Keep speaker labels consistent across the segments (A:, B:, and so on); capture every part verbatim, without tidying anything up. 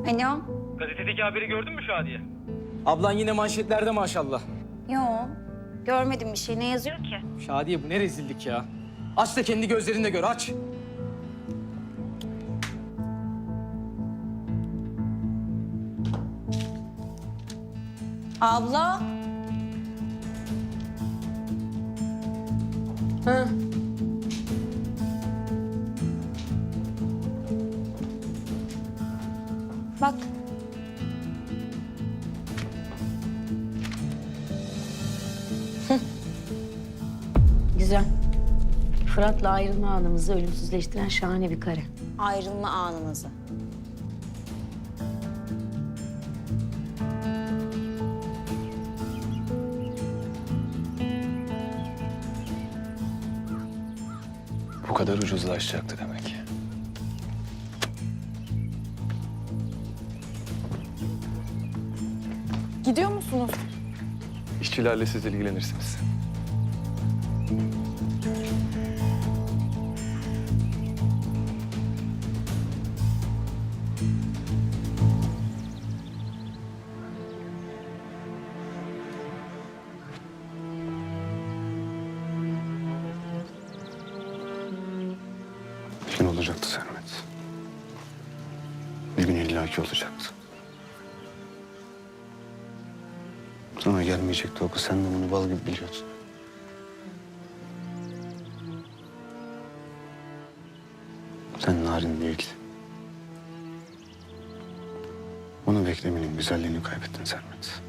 A: Alo.
B: Gazetedeki haberi gördün mü Şadiye?
C: Ablan yine manşetlerde maşallah.
A: Yo. Görmedim bir şey. Ne yazıyor ki?
C: Şadiye bu ne rezillik ya. Aç da kendi gözlerinle gör, aç.
A: Abla.
D: Ha.
A: Bak.
D: Güzel. Fırat'la ayrılma anımızı ölümsüzleştiren şahane bir kare.
A: Ayrılma anınızı.
E: Bu kadar ucuzlaşacaktı demek ki.
F: Gidiyor musunuz?
E: İşçilerle siz ilgilenirsiniz. Bir gün olacaktı Sermet. Bir gün illaki olacaktı. Sana gelmeyecekti o kız. Sen de bunu bal gibi biliyordun. Sen narin değildin. Onu beklemenin güzelliğini kaybettin Sermet.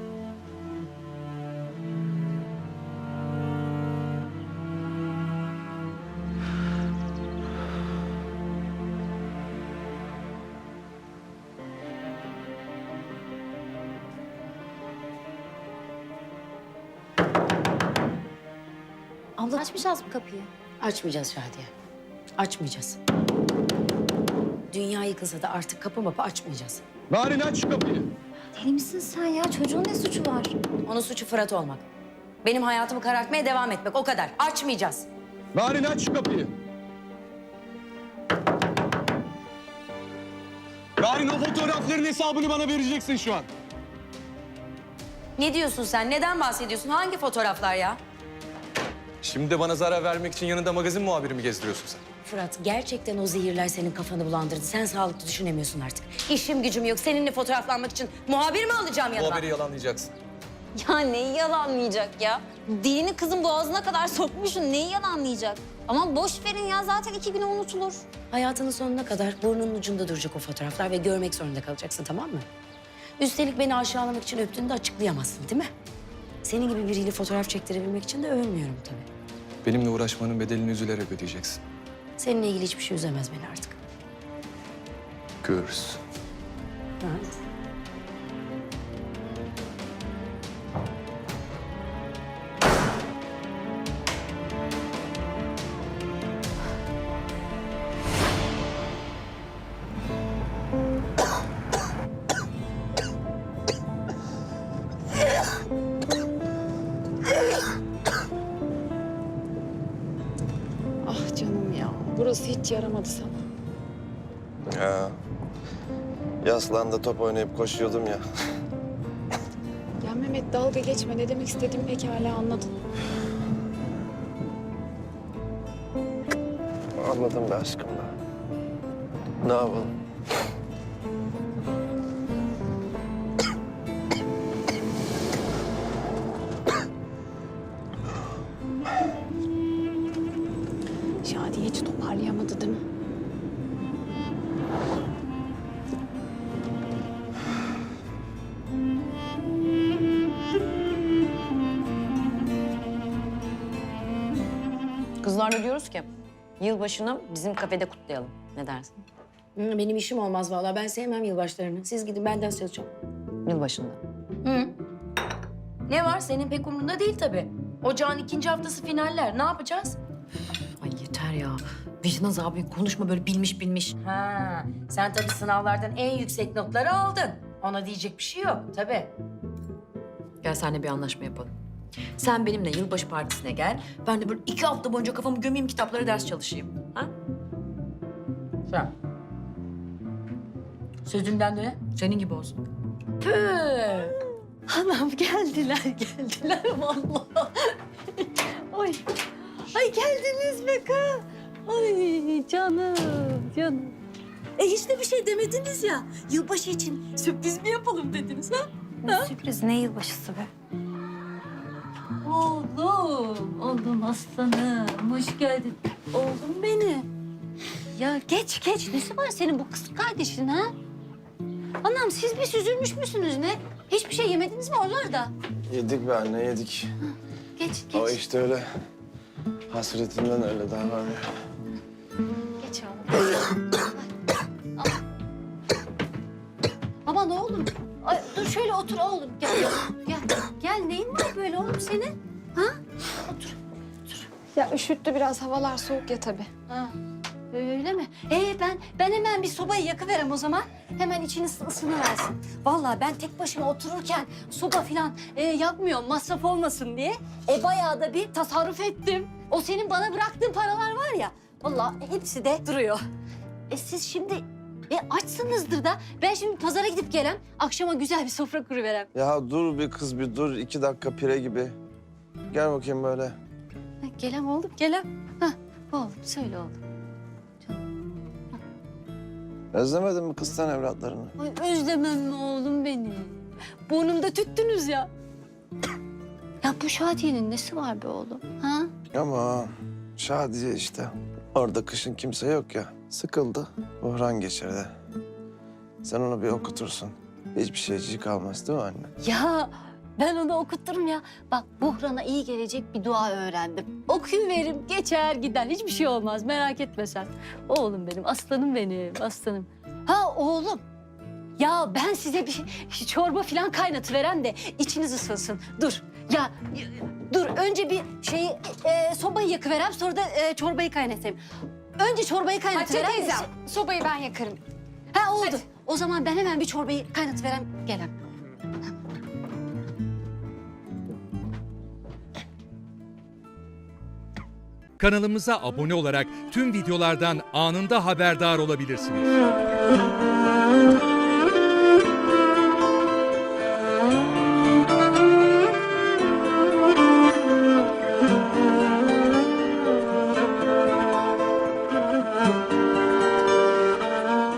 A: Abla açmayacağız mı kapıyı?
D: Açmayacağız Şadiye. Açmayacağız. Dünya yıkılsa da artık kapı mapı açmayacağız.
G: Narin aç şu kapıyı.
A: Deli misin sen ya? Çocuğun ne suçu var?
D: Onun suçu Fırat olmak. Benim hayatımı karartmaya devam etmek, o kadar. Açmayacağız.
G: Narin aç şu kapıyı. Narin o fotoğrafların hesabını bana vereceksin şu an.
D: Ne diyorsun sen? Neden bahsediyorsun? Hangi fotoğraflar ya?
E: Şimdi de bana zarar vermek için yanında magazin muhabiri mi gezdiriyorsun sen?
D: Fırat, gerçekten o zehirler senin kafanı bulandırdı. Sen sağlıklı düşünemiyorsun artık. İşim gücüm yok. Seninle fotoğraflanmak için muhabir mi alacağım
E: Bu
D: yanıma?
E: haberi yalanlayacaksın.
A: Ya neyi yalanlayacak ya? Dilini kızın boğazına kadar sokmuşsun. Neyi yalanlayacak? Ama boş verin ya. Zaten iki güne unutulur.
D: Hayatının sonuna kadar burnunun ucunda duracak o fotoğraflar ve görmek zorunda kalacaksın, tamam mı? Üstelik beni aşağılamak için öptüğünü de açıklayamazsın, değil mi? Senin gibi biriyle fotoğraf çektirebilmek için de övünmüyorum tabii.
E: Benimle uğraşmanın bedelini üzülerek ödeyeceksin.
D: Seninle ilgili hiçbir şey üzemez beni artık.
E: Görürüz.
D: Evet.
F: Ah canım ya. Burası hiç yaramadı sana.
H: Ya. Yaslan'da top oynayıp koşuyordum ya.
F: Ya Mehmet dalga geçme. Ne demek istediğimi pekala anladın.
H: Anladım be aşkım da. Ne yapalım?
F: Şadiye hiç toparlayamadı değil mi?
D: Kızlarla diyoruz ki yılbaşını bizim kafede kutlayalım. Ne dersin? Hı, benim işim olmaz vallahi. Ben sevmem yılbaşlarını. Siz gidin, ben ders çalışacağım. Yılbaşında. Hı. Ne var? Senin pek umurunda değil tabii. Ocağın ikinci haftası finaller. Ne yapacağız? Ay yeter ya. Vicdan azabı konuşma böyle bilmiş bilmiş. Ha, sen tabii sınavlardan en yüksek notları aldın. Ona diyecek bir şey yok tabii. Gel seninle bir anlaşma yapalım. Sen benimle yılbaşı partisine gel. Ben de böyle iki hafta boyunca kafamı gömeyim, kitaplara ders çalışayım. Ha? Sen. Sözünden döne senin gibi olsun. Tüh. Anam geldiler geldiler vallahi. Ay. Ay geldiniz be kız. Ay canım canım. E hiç de bir şey demediniz ya. Yılbaşı için sürpriz mi yapalım dediniz ha?
A: Ne sürpriz, ne yılbaşısı be.
D: Oğlum, oğlum aslanım. Hoş geldin. Oğlum benim.
A: Ya geç geç. Nesi var senin bu kız kardeşin ha? Anam siz bir süzülmüş müsünüz ne? Hiçbir şey yemediniz mi oralarda?
H: Yedik be anne yedik.
A: Geç geç.
H: Ama işte öyle hasretinden öyle davranıyor.
A: Geç oğlum. Al. Aman oğlum. Ay, dur şöyle otur oğlum. Gel, gel. Gel neyin var böyle oğlum senin? Ha? Otur.
F: Ya üşüttü biraz, havalar soğuk ya tabii.
A: Ha. Öyle mi? Ee ben ben hemen bir sobayı yakıverem o zaman. Hemen içiniz ısınıversin. Vallahi ben tek başıma otururken soba falan e, yakmıyorum masraf olmasın diye. E bayağı da bir tasarruf ettim. O senin bana bıraktığın paralar var ya. Vallahi hepsi de duruyor. E siz şimdi e, açsınızdır da ben şimdi pazara gidip gelem. Akşama güzel bir sofra kuruverem.
H: Ya dur bir kız bir dur. iki dakika pire gibi. Gel bakayım böyle.
A: Ha, gelem oğlum gelem. Ha, oğlum söyle oğlum.
H: Özlemedin mi kız sen evlatlarını?
A: Ay özlemem mi oğlum beni? Burnumda tüttünüz ya. Ya bu Şadiye'nin nesi var be oğlum? Ha?
H: Ama Şadiye işte. Orada kışın kimse yok ya. Sıkıldı. Buhran geçirdi. Sen onu bir okutursun. Hiçbir şeycik kalmaz değil mi anne?
A: Ya ben onu okutturum ya. Bak Buhran'a iyi gelecek bir dua öğrendim. Okuyuveririm geçer gider. Hiçbir şey olmaz merak etme sen. Oğlum benim aslanım benim aslanım. Ha oğlum. Ya ben size bir şey, çorba falan kaynatıveren de içiniz ısınsın. Dur. Ya y- dur önce bir şeyi e, sobayı yakıverem sonra da e, çorbayı kaynatayım. Önce çorbayı
F: Hatice
A: kaynatıverem.
F: teyzem, sobayı ben yakarım.
A: Ha oldu. O zaman ben hemen bir çorbayı kaynatıverem gelem.
I: Kanalımıza abone olarak tüm videolardan anında haberdar olabilirsiniz.